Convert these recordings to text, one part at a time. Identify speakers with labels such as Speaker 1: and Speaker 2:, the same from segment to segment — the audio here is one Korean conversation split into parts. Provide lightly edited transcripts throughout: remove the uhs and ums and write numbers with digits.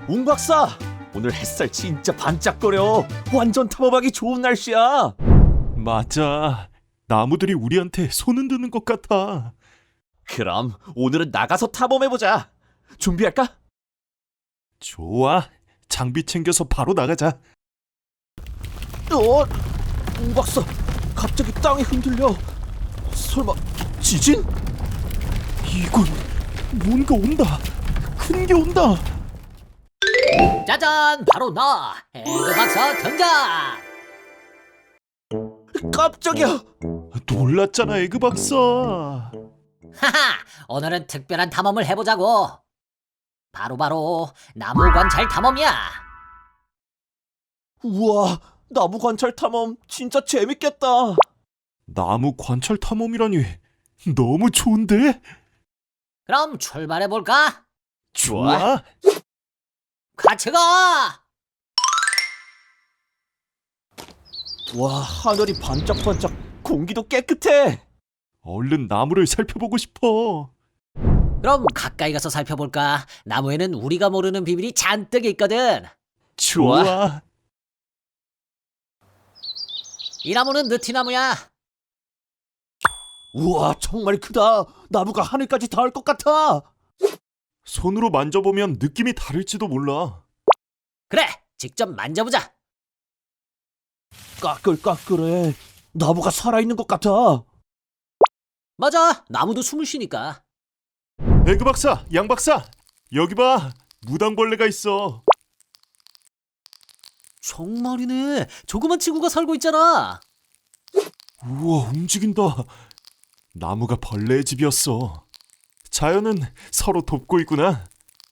Speaker 1: 웅 박사, 오늘 햇살 진짜 반짝거려. 완전 탐험하기 좋은 날씨야.
Speaker 2: 맞아. 나무들이 우리한테 손 흔드는 것 같아.
Speaker 1: 그럼 오늘은 나가서 탐험해보자. 준비할까?
Speaker 2: 좋아. 장비 챙겨서 바로 나가자.
Speaker 1: 웅 박사, 갑자기 땅이 흔들려. 설마 지진?
Speaker 2: 이건 뭔가 온다. 큰 게 온다.
Speaker 3: 짜잔, 바로 나 해그 박사 등장.
Speaker 1: 깜짝이야.
Speaker 2: 놀랐잖아, 에그 박사.
Speaker 3: 하하, 오늘은 특별한 탐험을 해보자고. 바로 나무 관찰 탐험이야.
Speaker 1: 우와, 나무 관찰 탐험 진짜 재밌겠다.
Speaker 2: 나무 관찰 탐험이라니 너무 좋은데?
Speaker 3: 그럼 출발해 볼까?
Speaker 1: 좋아.
Speaker 3: 같이 가.
Speaker 1: 와, 하늘이 반짝반짝, 공기도 깨끗해.
Speaker 2: 얼른 나무를 살펴보고 싶어.
Speaker 3: 그럼 가까이 가서 살펴볼까? 나무에는 우리가 모르는 비밀이 잔뜩 있거든.
Speaker 1: 좋아.
Speaker 3: 이 나무는 느티나무야.
Speaker 1: 우와, 정말 크다. 나무가 하늘까지 닿을 것 같아.
Speaker 2: 손으로 만져보면 느낌이 다를지도 몰라.
Speaker 3: 그래, 직접 만져보자.
Speaker 1: 까끌까끌해. 나무가 살아있는 것 같아.
Speaker 3: 맞아, 나무도 숨을 쉬니까.
Speaker 2: 에그 박사, 양 박사, 여기 봐. 무당벌레가 있어.
Speaker 3: 정말이네. 조그만 친구가 살고 있잖아.
Speaker 2: 우와, 움직인다. 나무가 벌레의 집이었어. 자연은 서로 돕고 있구나.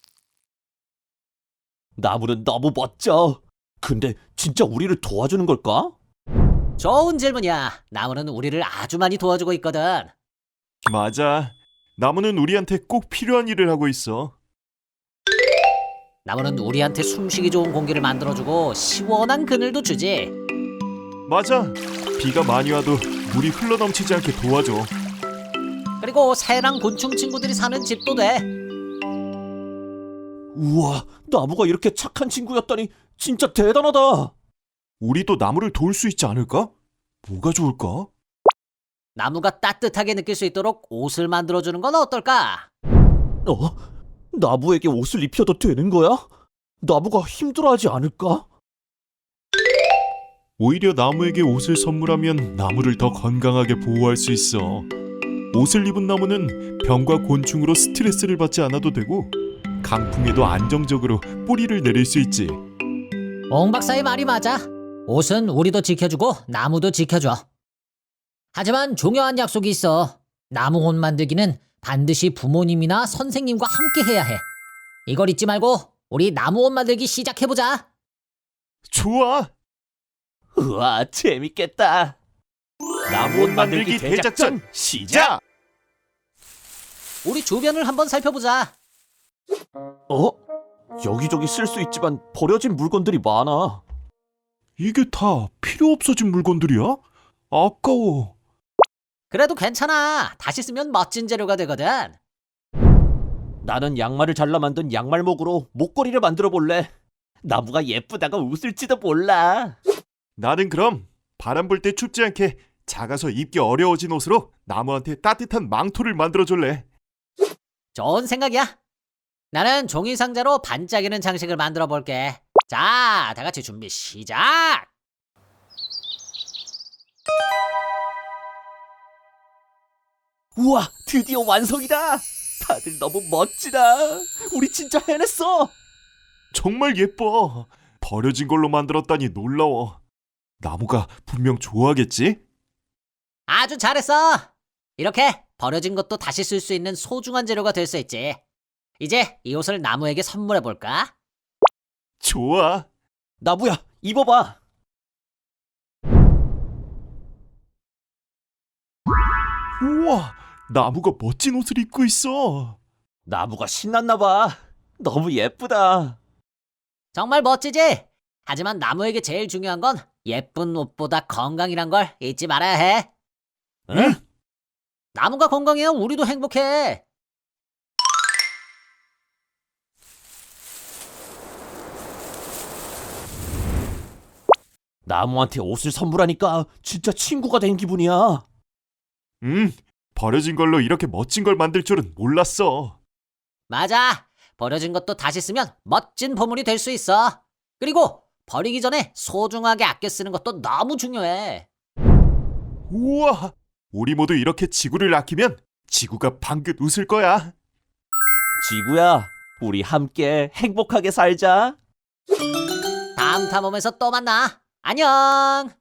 Speaker 1: 나무는 너무 멋져. 근데 진짜 우리를 도와주는 걸까?
Speaker 3: 좋은 질문이야. 나무는 우리를 아주 많이 도와주고 있거든.
Speaker 2: 맞아. 나무는 우리한테 꼭 필요한 일을 하고 있어.
Speaker 3: 나무는 우리한테 숨쉬기 좋은 공기를 만들어주고 시원한 그늘도 주지.
Speaker 2: 맞아. 비가 많이 와도 물이 흘러넘치지 않게 도와줘.
Speaker 3: 그리고 새랑 곤충 친구들이 사는 집도 돼.
Speaker 1: 우와, 나무가 이렇게 착한 친구였다니 진짜 대단하다.
Speaker 2: 우리도 나무를 도울 수 있지 않을까? 뭐가 좋을까?
Speaker 3: 나무가 따뜻하게 느낄 수 있도록 옷을 만들어주는 건 어떨까?
Speaker 1: 나무에게 옷을 입혀도 되는 거야? 나무가 힘들어하지 않을까?
Speaker 2: 오히려 나무에게 옷을 선물하면 나무를 더 건강하게 보호할 수 있어. 옷을 입은 나무는 병과 곤충으로 스트레스를 받지 않아도 되고 강풍에도 안정적으로 뿌리를 내릴 수 있지.
Speaker 3: 옹 박사의 말이 맞아. 옷은 우리도 지켜주고 나무도 지켜줘. 하지만 중요한 약속이 있어. 나무 옷 만들기는 반드시 부모님이나 선생님과 함께 해야 해. 이걸 잊지 말고 우리 나무 옷 만들기 시작해보자.
Speaker 2: 좋아.
Speaker 1: 우와, 재밌겠다. 나무 옷 만들기 대작전 시작!
Speaker 3: 우리 주변을 한번 살펴보자.
Speaker 1: 여기저기 쓸 수 있지만 버려진 물건들이 많아.
Speaker 2: 이게 다 필요 없어진 물건들이야? 아까워.
Speaker 3: 그래도 괜찮아. 다시 쓰면 멋진 재료가 되거든.
Speaker 1: 나는 양말을 잘라 만든 양말목으로 목걸이를 만들어 볼래. 나무가 예쁘다가 웃을지도 몰라.
Speaker 2: 나는 그럼 바람 불 때 춥지 않게 작아서 입기 어려워진 옷으로 나무한테 따뜻한 망토를 만들어줄래.
Speaker 3: 좋은 생각이야. 나는 종이 상자로 반짝이는 장식을 만들어 볼게. 자, 다 같이 준비 시작!
Speaker 1: 우와, 드디어 완성이다. 다들 너무 멋지다. 우리 진짜 해냈어.
Speaker 2: 정말 예뻐. 버려진 걸로 만들었다니 놀라워. 나무가 분명 좋아하겠지?
Speaker 3: 아주 잘했어. 이렇게 버려진 것도 다시 쓸 수 있는 소중한 재료가 될 수 있지. 이제 이 옷을 나무에게 선물해 볼까?
Speaker 2: 좋아.
Speaker 1: 나무야, 입어봐.
Speaker 2: 우와, 나무가 멋진 옷을 입고 있어.
Speaker 1: 나무가 신났나 봐. 너무 예쁘다.
Speaker 3: 정말 멋지지? 하지만 나무에게 제일 중요한 건 예쁜 옷보다 건강이란 걸 잊지 말아야 해.
Speaker 1: 응?
Speaker 3: 나무가 건강해야 우리도 행복해.
Speaker 1: 나무한테 옷을 선물하니까 진짜 친구가 된 기분이야.
Speaker 2: 버려진 걸로 이렇게 멋진 걸 만들 줄은 몰랐어.
Speaker 3: 맞아. 버려진 것도 다시 쓰면 멋진 보물이 될 수 있어. 그리고 버리기 전에 소중하게 아껴 쓰는 것도 너무 중요해.
Speaker 2: 우와! 우리 모두 이렇게 지구를 아끼면 지구가 방긋 웃을 거야.
Speaker 1: 지구야, 우리 함께 행복하게 살자.
Speaker 3: 다음 탐험에서 또 만나. 안녕.